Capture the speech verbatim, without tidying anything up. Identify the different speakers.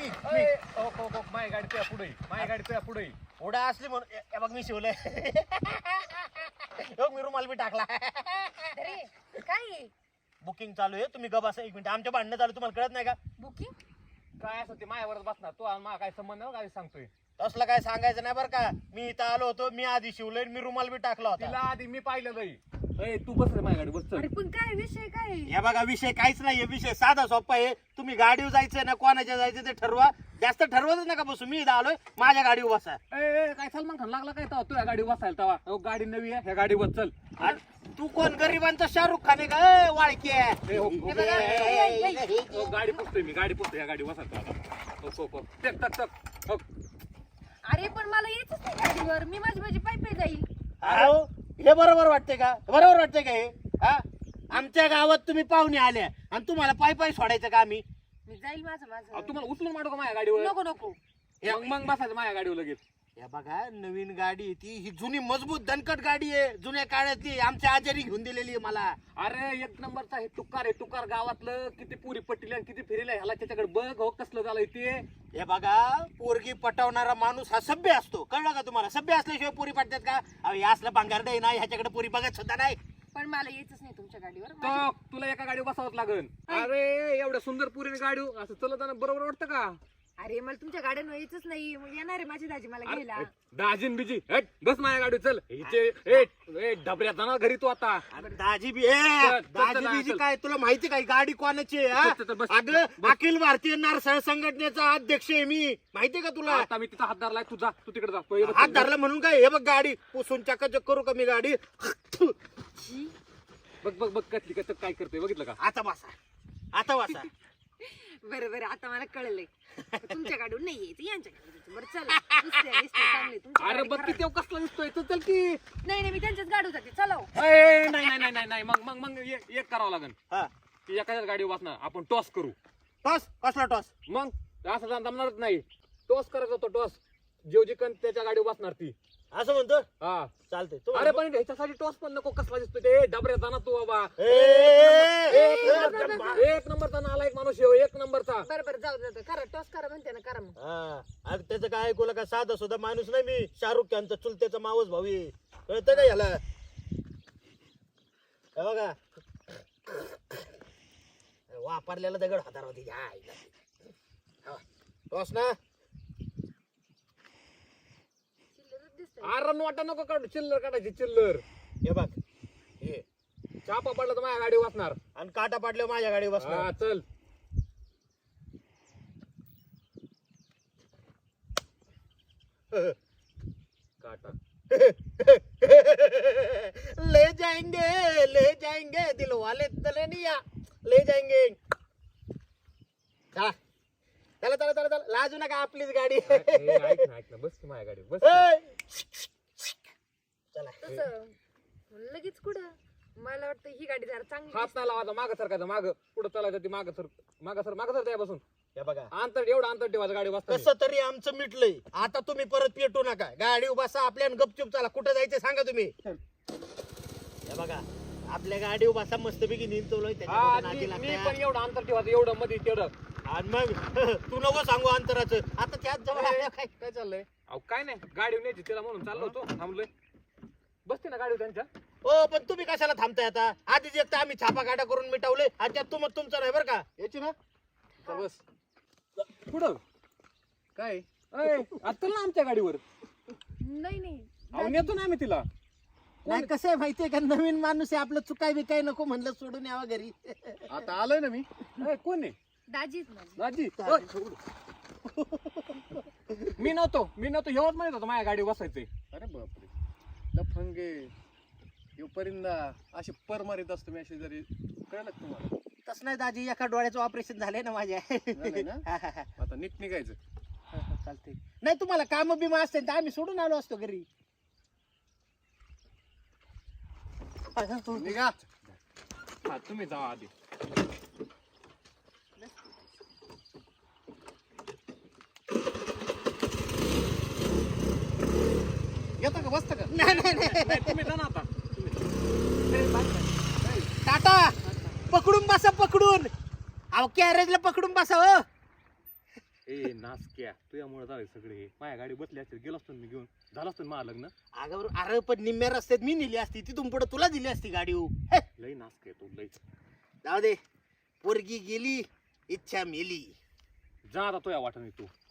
Speaker 1: माझी गाडी तुझ्या पुढे माझी गाडी तुझ्या पुढे
Speaker 2: पुढे असली म्हणून हे बघ मी शिवलंय मी रुमाल बी टाकला
Speaker 3: अरे काय
Speaker 2: बुकिंग चालू आहे तुम्ही गप असा एक मिनिट आमच्या भांडणं चालू तुम्हाला कळत नाही का
Speaker 3: बुकिंग
Speaker 1: काय असं ते माझ्यावरच बसणार तू आणि मला काय संबंध नाही काय सांगतोय
Speaker 2: तसलं काय सांगायचं नाही बरं का मी इथं आलो होतो मी आधी शिवलंय मी रुमाल बी टाकला
Speaker 1: तिला
Speaker 2: होता
Speaker 1: आधी मी पाहिलं नाही ए तू बस रे माझ्या गाडी बस चल.
Speaker 3: अरे पण काय विषय काय
Speaker 2: हे बघा विषय काहीच नाहीये विषय साधा सोपा आहे तुम्ही गाडीवर जायचंय ना कोणाच्या जायचं ते ठरवा जास्त ठरवतच नका बसू मी इथं आलोय माझ्या गाडीवर बसा
Speaker 1: ए ए, काय सलमान खान लागला काय तेव्हा तुझ्या गाडी बसायला तेव्हा अहो, गाडी नवी आहे ह्या गाडी बस चल
Speaker 2: आणि तू कोण गरिबांचा शाहरुख खान आहे का ए, वाळकी आहे
Speaker 1: ए, हो, हो,
Speaker 3: हे बघा,
Speaker 2: ए,
Speaker 3: ए, ए, ए, ए.
Speaker 1: हो, गाडी पुसतोय मी गाडी पुसतोय या गाडी बसायला आता हो, हो, हो. टक टक टक हो.
Speaker 3: अरे पण मला यायचंच नाही गाडीवर मी माझी माझी पायी पायी जाईल
Speaker 2: अहो, हे बरोबर वाटते का बरोबर वाटते का हे हा आमच्या गावात तुम्ही पाहुणे आल्या आणि तुम्हाला पायी पायी सोडायचं का आम्ही
Speaker 3: मी जाईल माझं
Speaker 1: अहो,
Speaker 3: माझं
Speaker 1: तुम्हाला उचलून मारू का माझ्या गाडीवर
Speaker 3: नको नको
Speaker 1: मग मग बसायचं माझ्या गाडीवर लगेच
Speaker 2: या बघा नवीन गाडी आहे ती ही जुनी मजबूत दणकट गाडी आहे जुन्या काळातली आमच्या आजारी घेऊन दिलेली आहे मला
Speaker 1: अरे एक नंबरचा हे तुकार आहे तुकार गावातलं किती पुरी पट्टीला किती फिरेला ह्याला त्याच्याकडे बघ हो कसलं झालंय ते
Speaker 2: हे बघा पोरगी पटवणारा माणूस हा सभ्य असतो कळलं का तुम्हाला सभ्य असल्याशिवाय पोरी पटतात का अहो हे असलं भांगारड आहे ना ह्याच्याकडे पोरी बघत सुद्धा नाही
Speaker 3: पण मला यायचंच नाही तुमच्या गाडीवर
Speaker 1: तो
Speaker 3: माझी-
Speaker 1: तुला एका गाडीवर बसावंच लागन अरे एवढ्या सुंदर पुरीने गाडी असं चलत जाणं बरोबर वाटतं का
Speaker 3: अरे मला तुमच्या गाड्यांवर यायचंच नाही मग येणार आहे माझी दाजी मला घ्यायला
Speaker 1: दाजीन बिजी हट बस माझ्या गाडी चल हिचे ए ए डबऱ्यात जाणार घरी तू आता
Speaker 2: अरे दाजी बी ए
Speaker 1: चल, चल,
Speaker 2: दाजी
Speaker 1: चल,
Speaker 2: बीजी
Speaker 1: चल.
Speaker 2: काय तुला माहिती काय गाडी कोणाची आहे हा?
Speaker 1: चल, चल, बस,
Speaker 2: अगं
Speaker 1: बस.
Speaker 2: अखिल भारतीय नारसाळ संघटनेचा अध्यक्ष आहे मी माहितीये का तुला
Speaker 1: आता मी तिचा हात धरलाय तू जा तू तिकडे जा पहिले बस.
Speaker 2: हात धरला म्हणून काय हे बघ गाडी पुसून चकाचक करू का मी गाडी
Speaker 3: छी.
Speaker 1: बघ बघ बघ कसली कसं काय करते बघितलं का
Speaker 2: आता बसा आता बसा
Speaker 3: बरं बरं आता मला कळलंय तुमच्या गाडीवर नाही यायचं यांच्या गाडीवर यायचं. बरं चला दिसते, दिसते, चांगली. तुमच्या
Speaker 1: अरे
Speaker 3: गाडी
Speaker 1: बघ
Speaker 3: खराब.
Speaker 1: किती कसला दिसतोय तू चल की
Speaker 3: नाही नाही मी त्यांच्याच गाडीवर जाते चला हो.
Speaker 1: ए, नाही नाही नाही नाही नाही मग मग मग एक एक करावं लागेल
Speaker 2: हा
Speaker 1: की एखाद्याच गाडीवर बसणार आपण टॉस करू
Speaker 2: टॉस कसला टॉस
Speaker 1: मग असं जाणं जमणारच नाही टॉस करायचा होतो टॉस जेव जिकन त्याच्या गाडीवर बसणार ती
Speaker 2: असं म्हणतो
Speaker 1: हा
Speaker 2: चालतंय
Speaker 1: अरे पण ह्याच्यासाठी टॉस पण नको कसला दिसतोय ते डबऱ्यात जाणार तू बाबा
Speaker 2: ए, ए,
Speaker 1: एक
Speaker 2: ए,
Speaker 1: नंबर- एक नंबरचा नाला एक माणूस येऊ एक नंबरचा
Speaker 3: बरं बरं जाऊ जाऊ करा टॉस करा म्हणते ना करा मग
Speaker 2: हा, अगं त्याचं काय ऐकूला का साधा सुद्धा माणूस नाही मी शाहरुख खानचा चुलत्याचा मावस भाऊ आहे कळतं का याला हे बघा वापरलेला दगड हातार होती टॉस ना
Speaker 3: चिल्लरच दिसतंय.
Speaker 1: अरे नोटा नको काढू चिल्लर काढायची चिल्लर
Speaker 2: हे बघ हे
Speaker 1: चापा पडला तर माझ्या गाडी वाचणार
Speaker 2: आणि काटा पाडल्यावर माझ्या गाडी
Speaker 1: हा
Speaker 2: बसणार
Speaker 1: चल काटा
Speaker 2: ले जाएंगे ले जाएंगे दिल वाले तलनिया ले जाएंगे चला चला चला चला चला लाजू नका आपलीच गाडी
Speaker 1: ए, ऐक ना ऐक ना बस की माझ्या गाडी बस की.
Speaker 2: ए! चला
Speaker 3: तसं लगेच कुठं मला वाटतं ही गाडी जरा चांगली
Speaker 1: हात नाही लावायचा माग सरकायचं माग पुढे चालायचं ती माग सर माग सर माग सर त्यापासून
Speaker 2: हे बघा
Speaker 1: अंतर एवढं अंतर ठेवायचं गाडी वाचता
Speaker 2: कसं तरी आमचं मिटलंय आता तुम्ही परत पेटू नका गाडी बसा आपल्या गपचूप चला कुठं जायचं सांगा तुम्ही हे बघा आपल्या गाडी बसा मस्तपैकी निंतवलोय
Speaker 1: हा, मी मी पण एवढं अंतर ठेवायचं एवढं मध्ये तेवढं
Speaker 2: आणि मग तू नको सांगू अंतराचं आता त्याच जवळ आल्या काय
Speaker 1: काय चाललंय अहो काय नाही गाडी न्यायची तिला म्हणून चाललो होतो थांबलोय बसते ना गाडी त्यांच्या
Speaker 2: हो पण तुम्ही कशाला थांबताय आता आधीच एक तर आम्ही छापा काटा करून मिटवले आणि त्यात तुम तुमचं नाही बरं का याची ना
Speaker 1: चल बस पुढं काय आता ना आमच्या गाडीवर
Speaker 3: नाही नाही
Speaker 1: अहो नेतो ना आम्ही तिला
Speaker 2: नाही कसं आहे माहितीये का नवीन माणूस आहे आपलं चुकाय बिकाय नको म्हणलं सोडून यावा घरी
Speaker 1: आता आलोय ना मी ए, कोण आहे
Speaker 3: दाजीच माझी
Speaker 1: दाजी ओय. मी नव्हतो मी नव्हतो एवढं म्हणत होतो माझ्या गाडी बसायचंय
Speaker 4: अरे बापरे लफंगे यो परिंदा असे पर मारित असतो मी असे जरी कळलं का तुम्हाला
Speaker 2: तसं नाही दाजी एका डोळ्याचं ऑपरेशन झालंय ना माझ्या
Speaker 4: झालंय ना?
Speaker 2: हा, हा, हा.
Speaker 4: आता नीट निघायचं
Speaker 2: हा, हा, चालतंय नाही तुम्हाला काम बिमा असते तर आम्ही सोडून आलो असतो घरी
Speaker 4: निघा
Speaker 1: हा तुम्ही जावा आधी
Speaker 4: येतं का बसतं का
Speaker 2: नाही नाही नाही
Speaker 1: नाही, तुम्ही जा ना आता
Speaker 2: टाटा पकडून बसा पकडून अहो कॅरेजला पकडून बसा हो
Speaker 1: ए नासक्या तुझ्यामुळे झाले सगळे माझ्या गाडी बसली असते गेलो असतो ना मी घेऊन झालं असतं ना माझं लग्न.
Speaker 2: अगं बरं, अरे पण निम्म्या रस्त्यात मी नेली असती तिथून पुढे तुला दिली असती गाडी हो.
Speaker 1: लई नासके तू लई.
Speaker 2: जाऊ दे, पोरगी गेली इच्छा मेली.
Speaker 1: जा आता तुझ्या वाटणी तू